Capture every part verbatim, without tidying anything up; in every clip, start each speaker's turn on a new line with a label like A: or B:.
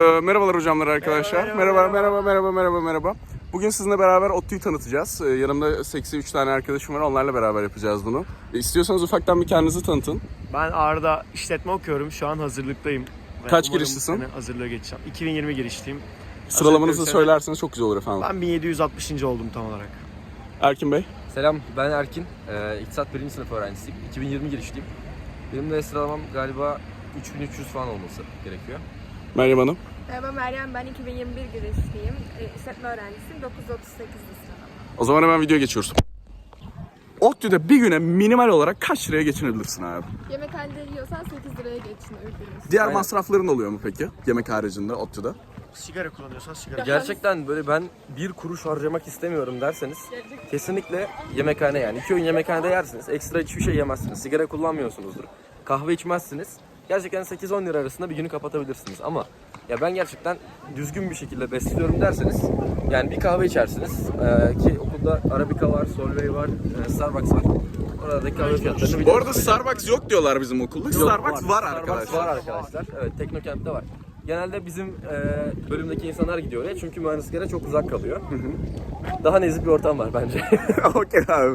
A: Ee, merhabalar hocamlar arkadaşlar. Merhaba merhaba merhaba merhaba merhaba. Bugün sizinle beraber ODTÜ'yü tanıtacağız. Ee, yanımda seksi üç tane arkadaşım var. Onlarla beraber yapacağız bunu. Ee, istiyorsanız ufaktan bir kendinizi tanıtın.
B: Ben Ağrı'da işletme okuyorum. Şu an hazırlıktayım. Ve
A: Kaç
B: umarım
A: girişlisin?
B: bu sene hazırlığa geçeceğim. iki bin yirmi girişliyim.
A: Sıralamanızı
B: Hazırlıkta
A: söylerseniz çok güzel olur efendim.
B: Ben bin yedi yüz altmışıncı oldum tam olarak.
A: Erkin Bey.
C: Selam, ben Erkin. Ee, İktisat birinci sınıf öğrencisiyim. iki bin yirmi girişliyim. Benim de sıralamam galiba üç bin üç yüz falan olması gerekiyor.
A: Meryem Hanım.
D: Merhaba Meryem, ben iki bin yirmi bir girişliyim. E, işletme öğrencisiyim, dokuz yüz otuz sekizli sıralama.
A: O zaman hemen videoya geçiyoruz. ODTÜ'de bir güne minimal olarak kaç liraya geçinebilirsin abi?
D: Yemekhanede yiyorsan sekiz liraya geçinebiliriz.
A: Diğer
C: Aynen.
A: masrafların oluyor mu peki? Yemek haricinde ODTÜ'de.
B: Sigara kullanıyorsan sigara.
C: Gerçekten böyle ben bir kuruş harcamak istemiyorum derseniz kesinlikle yemekhane yani. iki öğün yemekhanede yersiniz. Ekstra hiçbir şey yemezsiniz. Sigara kullanmıyorsunuzdur. Kahve içmezsiniz. Gerçekten sekiz on lira arasında bir günü kapatabilirsiniz ama ya ben gerçekten düzgün bir şekilde besliyorum derseniz yani bir kahve içersiniz ee, ki okulda Arabica var, Solvay var, e, Starbucks var. Oradaki kahve fiyatlarını
A: Bu
C: biliyoruz.
A: arada Starbucks yok diyorlar bizim okulda.
C: Yok,
A: Starbucks var,
C: Starbucks
A: arkadaşlar.
C: var arkadaşlar. Evet, Teknokent'te var. Genelde bizim e, bölümdeki insanlar gidiyor oraya çünkü mühendisliklere çok uzak kalıyor. Daha nezih bir ortam var bence.
A: Okey abi.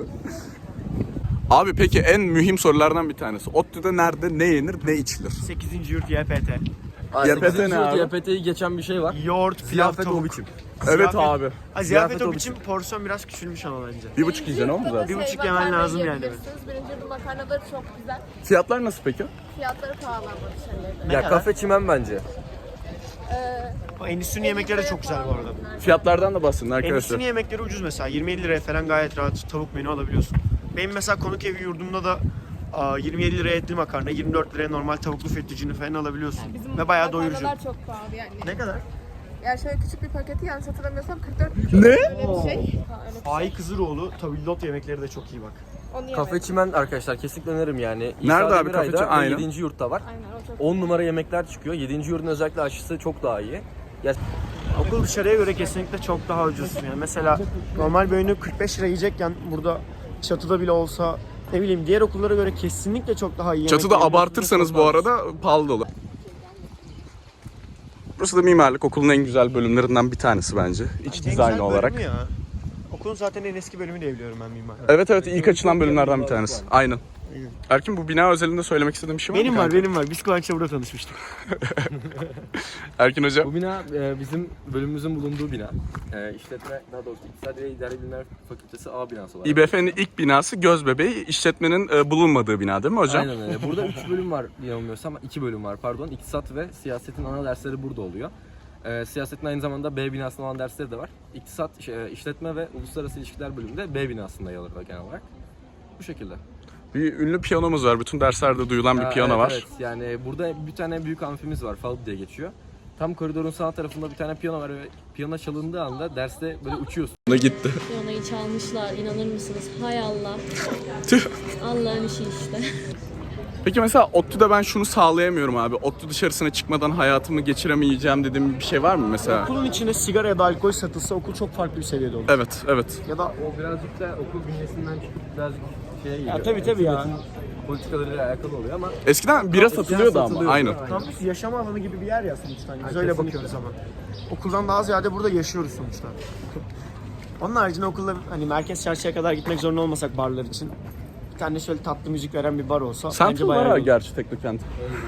A: Abi peki en mühim sorulardan bir tanesi. ODTÜ'de nerede ne yenir ne içilir?
B: sekizinci yurt Y P T.
A: Y P T ne abi?
C: Y P T'yi geçen bir şey var.
B: Yoğurt, pilav,
C: Ziyafet o
B: tavuk.
C: biçim.
A: Evet
B: Ziyafet-
A: abi.
B: Ha,
C: Ziyafet
B: ziyafet
C: o
B: o biçim porsiyon biraz küçülmüş ama bence.
A: Bir buçuk yiyeceksin o mu zaten?
B: Bir buçuk
D: Şey,
B: yemen
D: makarna
B: lazım yani.
D: yiyebilirsiniz. Birinci yurdun makarnaları çok güzel.
A: Fiyatlar nasıl peki?
D: Fiyatları pahalı ama dışarıda.
B: Ne
C: Ya
B: kadar?
C: kafe çimen bence.
D: Ee,
B: O endüstrinin yemekleri de çok güzel bu arada.
A: Fiyatlardan da bahsedin arkadaşlar.
B: Endüstrinin yemekleri ucuz mesela. yirmi yedi liraya falan gayet rahat tavuk menü alabiliyorsun. Benim mesela konuk evi yurdumda da aa, yirmi yedi liraya etli makarna, yirmi dört liraya normal tavuklu fettuccine falan alabiliyorsun.
D: Bizim
B: Ve bayağı doyurucu.
D: makarnalar çok pahalı yani.
B: Ne kadar?
D: Yani şöyle küçük bir paketi yanlış hatırlamıyorsam kırk dört
A: Ne?
D: öyle bir şey. Ha, öyle bir şey.
B: Ay Kızıroğlu tabildot yemekleri de çok iyi bak.
D: Onu
C: Kafe
D: yemedim.
C: çimen arkadaşlar kesinlikle öneririm yani.
A: Nerede abi
C: Demiray'da
A: Kafe Çimen?
C: ve
A: Aynen.
C: yedinci yurtta var.
D: Aynen o çok.
C: on numara yemekler çıkıyor. yedinci yurdun özellikle aşısı çok daha iyi. Ya
B: Okul dışarıya göre kesinlikle çok daha ucuz. Yani mesela normal bir öğünü kırk beş lira yiyecekken burada çatıda bile olsa ne bileyim diğer okullara göre kesinlikle çok daha iyi.
A: Çatıda
B: yemek
A: abartırsanız
B: çok
A: bu
B: daha
A: arada pahalı da olur. Burası da mimarlık okulun en güzel bölümlerinden bir tanesi bence. İç
B: ucuz. En
A: dizayn
B: güzel
A: olarak.
B: bölümü ya. Okulun zaten en eski bölümü diye biliyorum ben mimar.
A: Evet evet ilk açılan bölümlerden bir tanesi. Aynen.
B: Aynen.
A: Erkin bu bina özelinde söylemek istediğim bir şey var mı?
B: Benim var,
A: kanka?
B: benim var. Biz Kıvanç'la burada tanışmıştık.
A: Erkin hocam.
C: bu bina e, bizim bölümümüzün bulunduğu bina. E, işletme, daha doğrusu İktisadi ve İdari Bilimler Fakültesi A binası olarak.
A: İ B F'nin ilk binası Gözbebeği, işletmenin e, bulunmadığı bina değil mi hocam?
C: Aynen öyle. Burada üç bölüm var yanılmıyorsam. iki bölüm var pardon. İktisat ve siyasetin ana dersleri burada oluyor. E, siyasetin aynı zamanda B binasında olan dersleri de var. İktisat, e, işletme ve uluslararası ilişkiler bölümünde B binasında yer alıyor genel olarak. Bu şekilde.
A: Bir ünlü piyanomuz var. Bütün derslerde duyulan bir
C: Ya,
A: piyano
C: evet,
A: var.
C: Evet, yani burada bir tane büyük amfimiz var. Falb diye geçiyor. Tam koridorun sağ tarafında bir tane piyano var ve piyano çalındığı anda derste böyle uçuyorsun.
A: Da gitti.
E: Piyanoyu çalmışlar, inanır mısınız? Hay Allah.
A: Tüh.
E: Allah'ın işi işte.
A: Peki mesela ODTÜ'de ben şunu sağlayamıyorum abi. ODTÜ dışarısına çıkmadan hayatımı geçiremeyeceğim dediğim bir şey var mı mesela?
B: Okulun içinde sigara ya da alkol satılsa okul çok farklı bir seviyede olur.
A: Evet, evet.
B: Ya da
C: O birazcık da okul bünyesinden çıkıp birazcık şeye geliyor.
B: Ya tabii, tabii ya.
C: Hükümetin politikalarıyla alakalı oluyor ama
A: Eskiden bira satılıyordu ama
C: satılıyordu.
A: aynen.
B: kampüs yaşam alanı gibi bir yer ya sonuçta. Hani biz öyle bakıyoruz ama. Okuldan daha ziyade burada yaşıyoruz sonuçta. Onun haricinde okulda hani merkez çarşıya kadar gitmek zorunda olmasak barlar için bir tane şöyle tatlı müzik veren bir bar olsa bence
A: Central
B: bayağı
A: var
B: iyi.
A: gerçi Teknokent.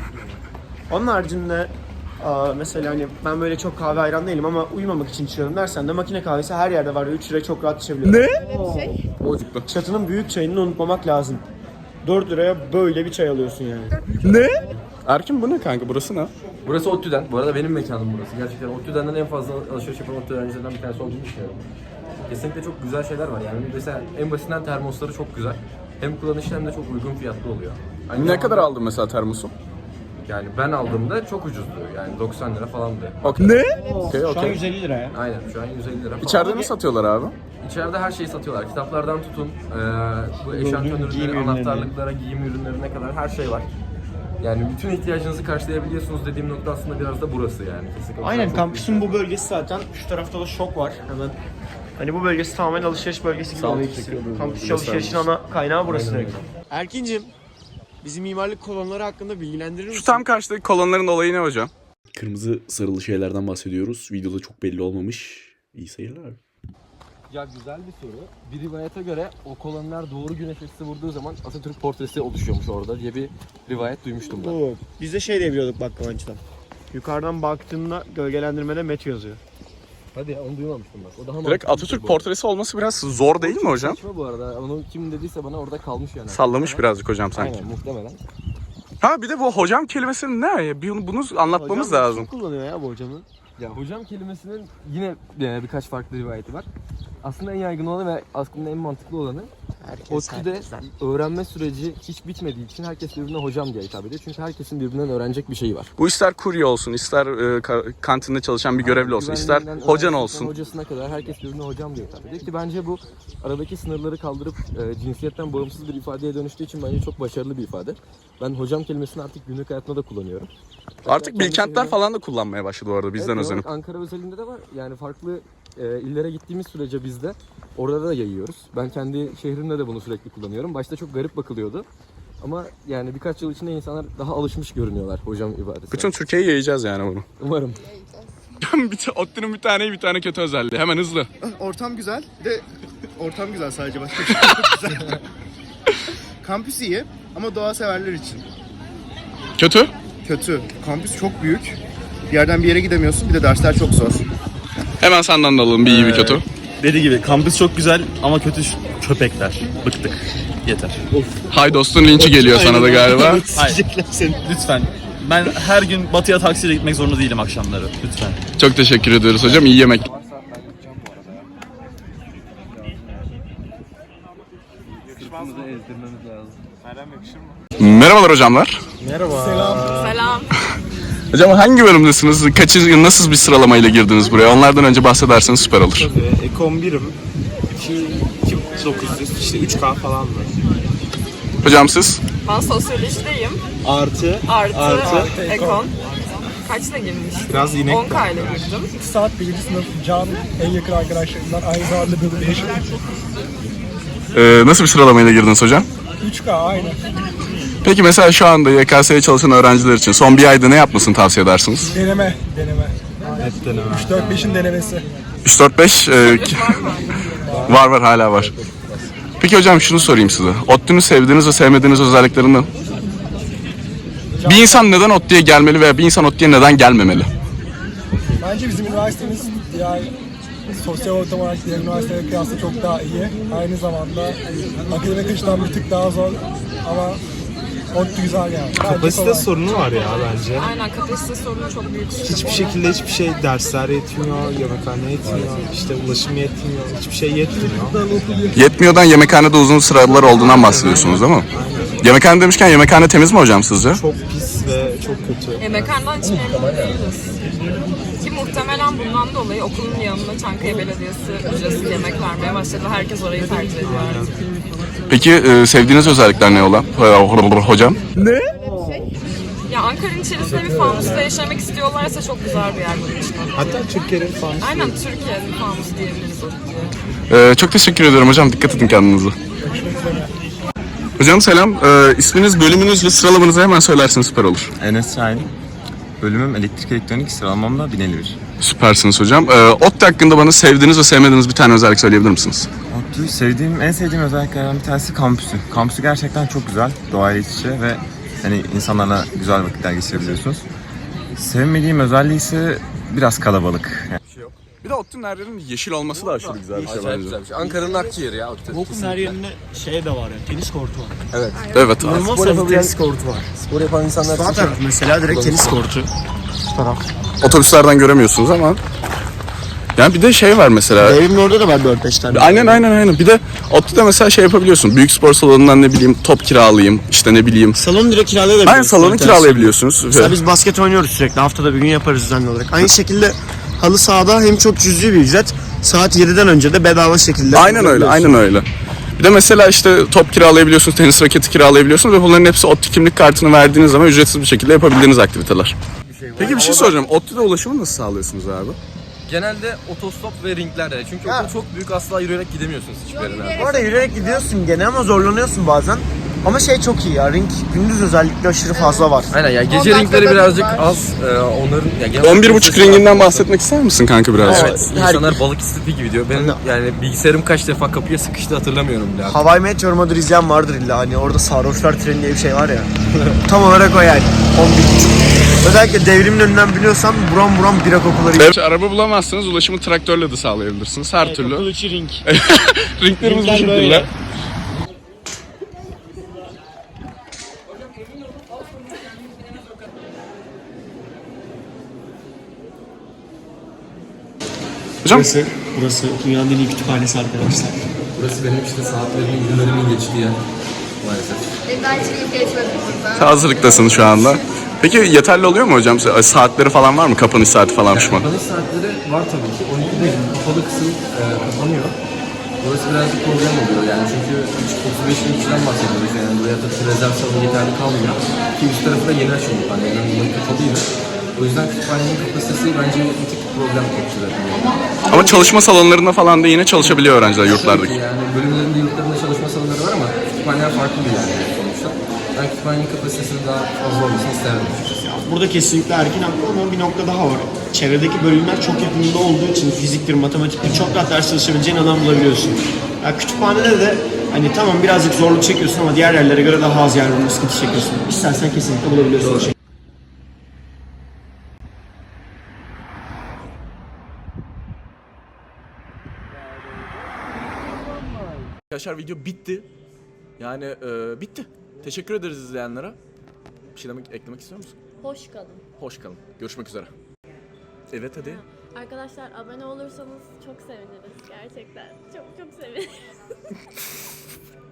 B: Onun haricinde aa, mesela hani ben böyle çok kahve hayran değilim ama uyumamak için içiyorum dersen de makine kahvesi her yerde var ve üç liraya çok rahat içebiliyorum.
A: Ne?
D: Öyle bir şey.
A: Bozuktu.
B: Çatının büyük çayını unutmamak lazım. dört liraya böyle bir çay alıyorsun yani.
A: Ne? Erkin bu ne kanka? Burası ne?
C: burası ODTÜ'den. Bu arada benim mekanım burası. Gerçekten ODTÜ'den en fazla alışveriş yapan ODTÜ öğrencilerinden bir tanesi olduğunu düşünüyorum. Kesinlikle çok güzel şeyler var yani. Mesela en basitinden termosları çok güzel. Hem kullanışlı hem de çok uygun fiyatlı oluyor. Aynı
A: Ne
C: zamanda-
A: kadar aldın mesela termosu?
C: Yani ben aldığımda çok ucuzdu. Yani doksan lira falandı.
A: Okay. Ne? Okey,
B: Şu an
A: okey.
B: yüz elli lira ya.
C: Aynen şu an yüz elli lira falan.
A: İçeride ne satıyorlar abi?
C: İçeride her şeyi satıyorlar. Kitaplardan tutun, eee bu eşantiyon
B: giyim
C: ürünleri,
B: ürünleri.
C: anahtarlıklara, giyim ürünlerine kadar her şey var. Yani bütün ihtiyacınızı karşılayabiliyorsunuz dediğim nokta aslında biraz da burası yani. Kesinlikle.
B: Aynen,
C: Çok
B: kampüsün bu bölgesi zaten. Şu tarafta da şok var hemen. Hani bu bölgesi tamamen alışveriş bölgesi gibi
A: Sağ ol,
B: oluyor
A: teşekkür
B: ikisi.
A: ederim.
B: Kampüs
A: Göstermiş.
B: alışverişin ana kaynağı burası direkt. Erkin'cim, bizi mimarlık kolonları hakkında bilgilendirir misin?
A: Şu tam karşıdaki kolonların olayı ne hocam? kırmızı sarılı şeylerden bahsediyoruz. Videoda çok belli olmamış. İyi seyirler.
C: Ya güzel bir soru. Bir rivayete göre o koloniler doğru güneş açısı vurduğu zaman Atatürk portresi oluşuyormuş orada diye bir rivayet duymuştum ben.
B: Oo, biz de şey diye biliyorduk bak Kıvanç'tan. Yukarıdan baktığında gölgelendirmede Met yazıyor.
C: Hadi ya, onu duymamıştım bak. O daha
A: Direkt
C: mantıklı bir
A: Atatürk
C: şey bu
A: portresi olması biraz zor değil mi hocam?
C: Saçma bu arada. Onu kim dediyse bana orada kalmış yani.
A: Sallamış birazcık hocam sanki.
C: Aynen muhtemelen.
A: Ha bir de bu hocam kelimesinin ne? Bir- Bunu anlatmamız
B: Hocam
A: lazım.
B: Çok kullanıyor ya bu hocamı.
C: Ya hocam kelimesinin yine e, birkaç farklı rivayeti var. Aslında en yaygın olanı ve aslında en mantıklı olanı
B: Herkes
C: ODTÜ'de
B: herkesten.
C: öğrenme süreci hiç bitmediği için herkes birbirine hocam diye hitap ediyor. Çünkü herkesin birbirinden öğrenecek bir şeyi var.
A: Bu ister kurye olsun, ister e, ka- kantinde çalışan bir görevli olsun, ister
C: Güvenliğinden
A: hocan
C: öğrencisinden
A: olsun.
C: hocasına kadar herkes birbirine hocam diye hitap ediyor ki bence bu aradaki sınırları kaldırıp e, cinsiyetten bağımsız bir ifadeye dönüştüğü için bence çok başarılı bir ifade. Ben hocam kelimesini artık günlük hayatımda da kullanıyorum.
A: Artık
C: Kendi
A: Bilkentler
C: şehrime-
A: falan da kullanmaya başladı bu arada bizden
C: Evet,
A: özenip.
C: olarak Ankara özelinde de var. Yani farklı e, illere gittiğimiz sürece biz de orada da yayıyoruz. Ben kendi şehrimde de bunu sürekli kullanıyorum. Başta çok garip bakılıyordu. Ama yani birkaç yıl içinde insanlar daha alışmış görünüyorlar hocam ibadetine.
A: Bütün Türkiye'ye yayacağız yani bunu.
C: Umarım.
A: bir ta- ODTÜ'nün bir tane iyi bir tane kötü özelliği. Hemen hızlı.
F: Ortam güzel. Bir de ortam güzel sadece başka bir şey yok. Güzel. Kampüs iyi ama doğa severler için.
A: Kötü?
F: Kötü. Kampüs çok büyük. Bir yerden bir yere gidemiyorsun. Bir de dersler çok zor.
A: Hemen senden de alalım bir iyi bir kötü.
G: Dediği gibi kampüs çok güzel ama kötü şu- köpekler. Bıktık. Yeter.
A: Hay dostun linçi geliyor sana da galiba.
G: Hayır. Lütfen. Ben her gün batıya taksiyle gitmek zorunda değilim akşamları. Lütfen.
A: Çok teşekkür ediyoruz hocam. İyi yemek. Merhabalar hocamlar.
D: Selam.
A: Hocam hangi bölümdesiniz? Kaçı, nasıl bir sıralamayla girdiniz buraya? Onlardan önce bahsederseniz süper olur.
H: Ekon birim. iki bin dokuz yüz işte üç K falan mı?
A: Hocam siz?
D: Ben sosyolojideyim.
H: Artı.
D: Artı,
H: Artı.
D: ekon. Kaçla girmiştim?
H: Biraz inek.
D: on K ile girdim.
I: Saat birinci sınıf Can en yakın arkadaşlarımdan aynı zamanda bölümdeşim.
A: Ee, nasıl bir sıralamayla girdiniz hocam?
I: üç K aynı.
A: Peki mesela şu anda Y K S'ye çalışan öğrenciler için son bir ayda ne yapmasını tavsiye edersiniz?
I: Deneme, deneme.
H: Hep deneme.
I: üç dört beşin denemesi.
A: üç dört beş e, var var hala var. Peki hocam şunu sorayım size. ODTÜ'nü sevdiğiniz ve sevmediğiniz özelliklerinden. Bir insan neden ODTÜ'ye gelmeli veya bir insan ODTÜ'ye neden gelmemeli?
I: Bence bizim üniversitemiz diğer sosyal ortam olarak diğer üniversitelere kıyasla çok daha iyi. Aynı zamanda akademik açıdan bir tık daha zor ama ODTÜ güzel yani. Bence
H: Kapasite
I: kolay.
H: sorunu var ya bence.
D: Aynen, kapasite sorunu çok büyük.
H: Hiçbir şekilde hiçbir şey dersler yetmiyor, yemekhane yetmiyor, işte ulaşım yetmiyor, hiçbir şey yetmiyor.
A: Yetmiyordan yemekhanede uzun sıralar olduğundan bahsediyorsunuz değil mi? Yemekhane demişken yemekhane temiz mi hocam sizce?
H: Çok pis ve çok kötü.
D: Yemekhaneden hiç memnun değiliz. Ki muhtemelen bundan dolayı okulun yanında Çankaya Belediyesi ücretsiz yemek vermeye başladı. Herkes orayı tercih ediyor artık.
A: Peki e, sevdiğiniz özellikler ne olan hocam?
D: Ya Ankara'nın içerisinde bir fanusta yaşamak istiyorlarsa çok güzel bir yer bunun için.
H: Hatta Türkiye'nin falan.
D: Aynen, Türkiye'nin fanusu diyebiliriz ODTÜ'ye.
A: E, çok teşekkür ediyorum hocam. Dikkat edin kendinize. Hocam selam. E, isminiz, bölümünüz ve sıralamanızı hemen söylerseniz süper olur.
J: Enes Şahin. Bölümüm elektrik elektronik, sıralamamda bin elli bir.
A: Süpersiniz hocam. E, ODTÜ hakkında bana sevdiğiniz ve sevmediğiniz bir tane özellik söyleyebilir misiniz?
J: ODTÜ sevdiğim, en sevdiğim özelliklerden bir tanesi kampüsü. Kampüsü gerçekten çok güzel, doğayla iç içe ve hani insanlarla güzel vakitler geçirebiliyorsunuz. Sevmediğim özelliği ise biraz kalabalık. Yani
A: Bir de ODTÜ'nün her yerinin yeşil olması da aşırı güzel bir şey
C: Acayip
A: bence.
C: güzel bir şey. Ankara'nın akciğeri ya ODTÜ.
B: Okulun her yerinde şey de var yani tenis kortu var.
C: Evet.
A: Evet abi.
B: İnanılmaz
C: Spor
B: fazla
C: yapabilen-
B: tenis kortu var.
C: Spor yapan insanlar
B: Sağ
C: için
B: taraf
C: çok-
B: mesela direkt tenis kortu.
A: Otobüslerden göremiyorsunuz ama. Yani bir de şey var mesela.
B: Evimin orada da var dört beş tane.
A: Aynen aynen aynen. Bir de ODTÜ'de mesela şey yapabiliyorsun. Büyük spor salonundan ne bileyim top kiralayayım. İşte ne bileyim.
B: Salonu direkt kiralayabiliyorsun.
A: Aynen salonu kiralayabiliyorsunuz.
B: Mesela biz basket oynuyoruz sürekli. Haftada bir gün yaparız düzenli olarak. Aynı şekilde halı sahada hem çok cüzi bir ücret. Saat yediden önce de bedava şekilde.
A: Aynen öyle aynen öyle. Bir de mesela işte top kiralayabiliyorsunuz, tenis raketi kiralayabiliyorsunuz ve bunların hepsi ODTÜ kimlik kartını verdiğiniz zaman ücretsiz bir şekilde yapabildiğiniz aktiviteler. Peki bir şey soracağım. ODTÜ'de ulaşımı nasıl sağlıyorsunuz abi?
C: Genelde otostop ve ringlerde. Çünkü okul çok büyük, asla yürüyerek gidemiyorsunuz hiçbir yerine.
B: Bu arada yürüyerek gidiyorsun gene ama zorlanıyorsun bazen. Ama şey çok iyi ya, ring gündüz özellikle aşırı fazla var.
C: Aynen ya, gece
D: On
C: ringleri
D: dakikada
C: birazcık
D: bir var.
C: az. Ee, onların ya genel
A: on bir
C: olarak
A: buçuk
C: sesi var.
A: ringinden bahsetmek ister misin kanka biraz?
C: Evet. İnsanlar balık istifi gibi diyor. Benim yani bilgisayarım kaç defa kapıya sıkıştı hatırlamıyorum bile. artık.
B: Hawaii Meteor Mother izleyen vardır illa, hani orada sarhoşlar treni diye bir şey var ya. Tam olarak o yani. on bir buçuk. Özellikle devrimin önünden biliyorsan buram buram bira kokuları.
A: Evet, araba bulamazsanız ulaşımı traktörle de sağlayabilirsiniz. Her türlü.
B: Okul içi ring.
A: Ringlerimiz bu
B: Ringler
A: şekilde.
B: böyle.
A: Hocam
B: Burası, burası dünyanın en iyi kütüphanesi arkadaşlar.
C: Burası benim işte saatlerimin, günlerimin geçtiği yer. Maalesef.
D: Ben daha hiç ilk geçmedim burada.
A: hazırlıktasın şu anda. Peki yeterli oluyor mu hocam? Saatleri falan var mı? Kapanış saati falan pişman.
C: Kapanış saatleri var tabii ki. on ikide kapalı kısım e, kapanıyor. Burası birazcık problem oluyor yani çünkü otuz beş bin kişiden bahsediyoruz yani buraya da rezerv salonu yeterli kalmıyor. Ki üst tarafı da yeni açıldı. Hani yani kapalıydı. O yüzden kütüphanenin kapasitesi bence bir tık problem kapatıyor.
A: Ama çalışma salonlarında falan da yine çalışabiliyor öğrenciler yurtlardaki.
C: Yani bölümlerinde yurtlarında çalışma salonları var ama kütüphaneler farklı bir yer yani sonuçta. Ben kütüphanenin kapasitesinin daha fazla olmasını isterdim.
B: Burada kesinlikle Erkin haklı ama bir nokta daha var. Çevredeki bölümler çok yakınında olduğu için fiziktir, matematiktir çok rahat ders çalışabileceğin alan bulabiliyorsun. Ya kütüphanede de hani tamam birazcık zorluk çekiyorsun ama diğer yerlere göre daha az yer bulma sıkıntı çekiyorsun. İstersen kesinlikle bulabiliyorsun. Doğru.
A: Arkadaşlar video bitti. Yani e, bitti. Teşekkür ederiz izleyenlere. Bir şey demek, eklemek istiyor musun?
E: Hoş kalın.
A: Hoş kalın. Görüşmek üzere. Evet hadi.
E: Arkadaşlar abone olursanız çok seviniriz gerçekten. Çok çok seviniriz.